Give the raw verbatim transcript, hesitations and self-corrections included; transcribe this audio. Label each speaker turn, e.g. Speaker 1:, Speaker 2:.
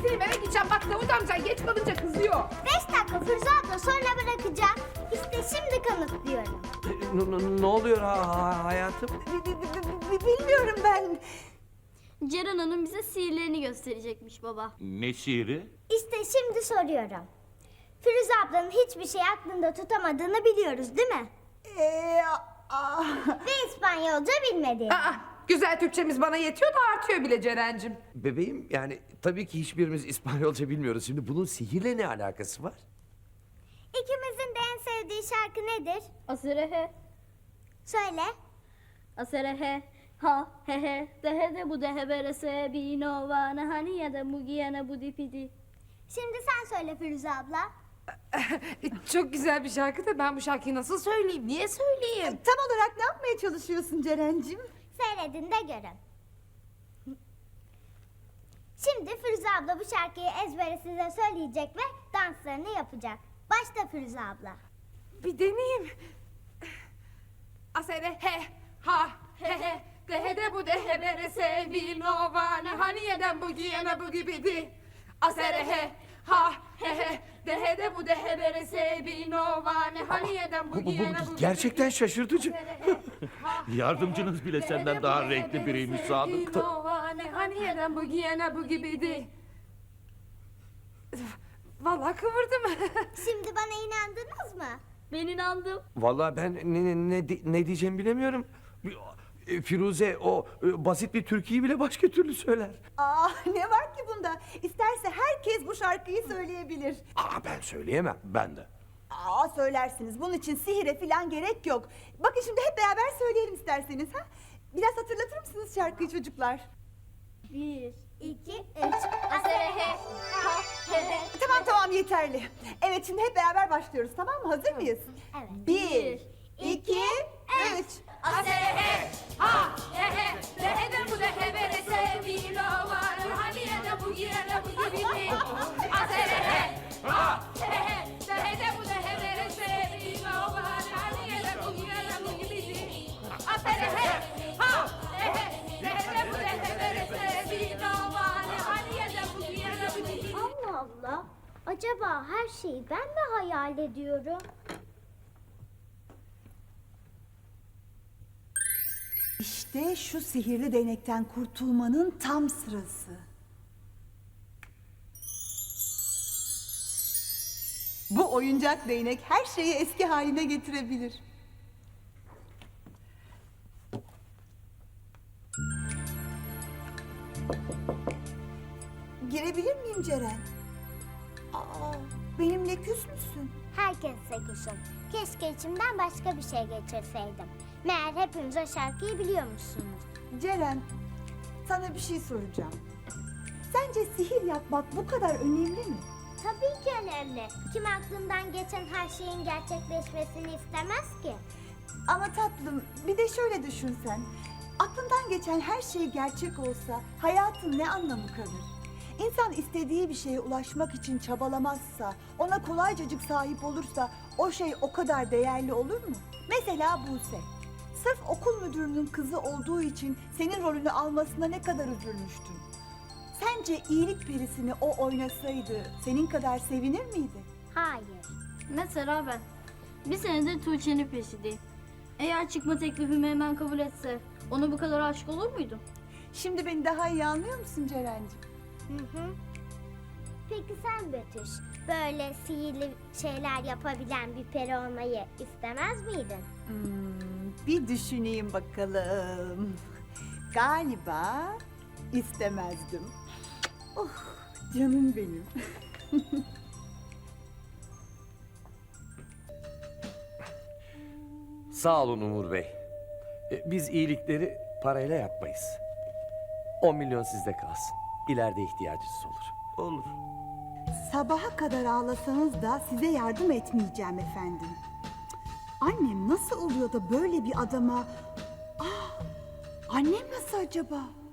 Speaker 1: gideyim eve gideceğim. Bak Davut amca geç kalınca kızıyor.
Speaker 2: Beş dakika Firuze abla sonra bırakacağım. İşte şimdi kanıtlıyorum.
Speaker 3: Ne, ne- ne oluyor ha, ha- hayatım?
Speaker 4: Bi- bi- bi- bi- Bilmiyorum ben.
Speaker 5: Ceren Hanım bize sihirlerini gösterecekmiş baba.
Speaker 6: Ne şiiri?
Speaker 2: İşte şimdi soruyorum. Firuze ablanın hiçbir şey aklında tutamadığını biliyoruz değil mi?
Speaker 4: Ee, aa,
Speaker 2: Ve İspanyolca bilmediğini.
Speaker 1: Aa, güzel Türkçemiz bana yetiyor da artıyor bile Ceren'cim.
Speaker 3: Bebeğim yani tabii ki hiçbirimiz İspanyolca bilmiyoruz. Şimdi bunun sihirle ne alakası var?
Speaker 2: İkimizin de en sevdiği şarkı nedir?
Speaker 5: Aserehe,
Speaker 2: Söyle.
Speaker 5: aserehe, ha he he, dehe de bu dehe berese bino vana hani ya da mugiyana bu dipidi.
Speaker 2: Şimdi sen söyle Firuze abla.
Speaker 1: Çok güzel bir şarkı da ben bu şarkıyı nasıl söyleyeyim? Niye söyleyeyim?
Speaker 4: tam olarak ne yapmaya çalışıyorsun Ceren'cim?
Speaker 2: Seyredin de görün. Şimdi Firuze abla bu şarkıyı ezbere size söyleyecek ve danslarını yapacak. Başla Firuze abla.
Speaker 1: Bir deneyeyim. Asere he ha he he dehe de bu dehe berese vino vane hani yeden bu giyene bu gibidi. Asere he ha he he dehe de bu dehe berese vino vane hani yeden bu
Speaker 3: Bu, bu, bu
Speaker 1: giyene bu
Speaker 3: gerçekten şaşırtıcı.
Speaker 6: Yardımcınız bile senden daha renkli biriymiş Sadık.
Speaker 1: Vino vane hani yeden bu giyene bu gibidi. Vallahi kıvırdım.
Speaker 2: Şimdi bana inandınız mı?
Speaker 5: Ben inandım.
Speaker 3: Vallahi ben ne, ne, ne, di- ne diyeceğimi bilemiyorum. E, Firuze o e, basit bir türküyü bile başka türlü söyler.
Speaker 4: Aa, ne var ki bunda? İsterse herkes bu şarkıyı söyleyebilir.
Speaker 3: Aa ben söyleyemem ben de.
Speaker 4: Aa, söylersiniz. Bunun için sihire falan gerek yok. Bakın şimdi hep beraber söyleyelim isterseniz. Ha? Biraz hatırlatır mısınız şarkıyı çocuklar?
Speaker 5: Bir,
Speaker 2: İki, üç.
Speaker 5: aserehe, ha he he.
Speaker 4: Tamam tamam yeterli. Evet şimdi hep beraber başlıyoruz tamam mı? Hazır mıyız?
Speaker 2: Evet.
Speaker 4: Bir, iki, üç.
Speaker 1: Aserehe ha he he dehe de bu dehe berese vino vane hani yeden bu giyene bu gibidi. Aserehe ha he he dehe de bu dehe berese vino vane hani yeden bu giyene bu gibidi. Aserehe ha he he dehe de bu dehe berese vino vane hani yeden bu giyene bu gibidi.
Speaker 2: Allah Allah. Acaba her şeyi ben mi hayal ediyorum?
Speaker 4: İşte şu sihirli değnekten kurtulmanın tam sırası. Bu oyuncak değnek her şeyi eski haline getirebilir. Girebilir miyim Ceren? Aa, benimle küs müsün?
Speaker 2: Herkese kuşum. Keşke içimden başka bir şey geçirseydim. Meğer hepiniz o şarkıyı biliyormuşsunuz.
Speaker 4: Ceren, sana bir şey soracağım. Sence sihir yapmak bu kadar önemli mi?
Speaker 2: Tabii ki önemli. Kim aklından geçen her şeyin gerçekleşmesini istemez ki?
Speaker 4: Ama tatlım, bir de şöyle düşünsen. Aklından geçen her şey gerçek olsa hayatın ne anlamı kalır? İnsan istediği bir şeye ulaşmak için çabalamazsa, ona kolaycacık sahip olursa o şey o kadar değerli olur mu? Mesela Buse. Sırf okul müdürünün kızı olduğu için senin rolünü almasına ne kadar üzülmüştün. Sence iyilik perisini o oynasaydı senin kadar sevinir miydi?
Speaker 2: Hayır.
Speaker 5: Mesela ben. Bir senedir Tuğçe'nin peşindeyim. Eğer çıkma teklifimi hemen kabul etse, ona bu kadar aşık olur muydum?
Speaker 4: Şimdi beni daha iyi anlıyor musun Ceren'ciğim?
Speaker 2: Hı hı. Peki sen Betüş, böyle sihirli şeyler yapabilen bir peri olmayı istemez miydin?
Speaker 4: Hmm, bir düşüneyim bakalım. Galiba istemezdim. Oh, canım benim.
Speaker 3: Sağ olun Umur Bey. E, Biz iyilikleri parayla yapmayız. On milyon sizde kalsın. İleride ihtiyacınız olur. Olur.
Speaker 4: Sabaha kadar ağlasanız da size yardım etmeyeceğim efendim. Annem nasıl oluyor da böyle bir adama... Ah, annem nasıl acaba?